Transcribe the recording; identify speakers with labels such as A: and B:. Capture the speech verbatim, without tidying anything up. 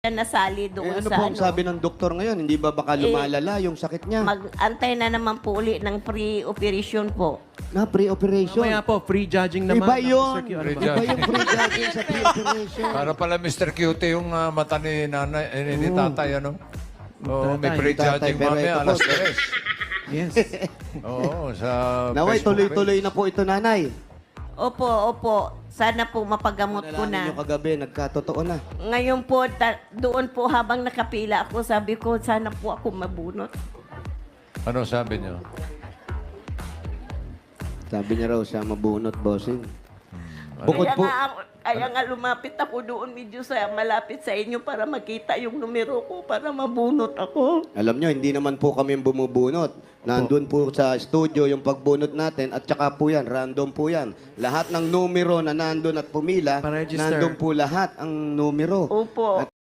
A: nasali
B: Eh,
A: doon
B: ano
A: sa
B: po ang
A: ano.
B: sabi ng doktor ngayon? Hindi ba baka
A: Eh,
B: lumalala yung sakit niya?
A: Mag-antay na naman po uli ng pre-operation po.
B: Na pre-operation.
C: Mamaya po, free judging naman.
B: Iba
C: ng
B: yun.
C: Mister Q. Ano
D: Free
C: ba?
B: Iba yung pre-judging sa pre-operation.
D: Para pala mister Cutie yung ah, mata ni nanay, eh, ni tatay, ano? Oo, may
C: Tatay.
D: pre-judging
B: Tatay, pero
D: mamaya,
B: ito po.
D: alas tres.
C: Yes.
D: Oo, sa
B: Naway,
D: Facebook
B: tuloy-tuloy na po ito, nanay.
A: Opo, opo. Sana po mapagamot ko
B: Nalalaman
A: na.
B: nyo kagabi, nagkatotoo na.
A: Ngayon po, ta- doon po habang nakapila ako, sabi ko, sana po ako mabunot.
D: page. Ano sabi niyo?
B: Sabi niya raw siya mabunot, bossing. Bukod
A: Kaya
B: po,
A: nga, ako- kaya nga lumapit ako doon medyo sa malapit sa inyo para makita yung numero ko, para mabunot ako.
B: alam nyo, hindi naman po kami bumubunot. Nandun po sa studio yung pagbunot natin at saka po yan, random po yan. Lahat ng numero na nandun at pumila,
C: Pa-register.
B: nandun po lahat ang numero.
A: Opo.
B: At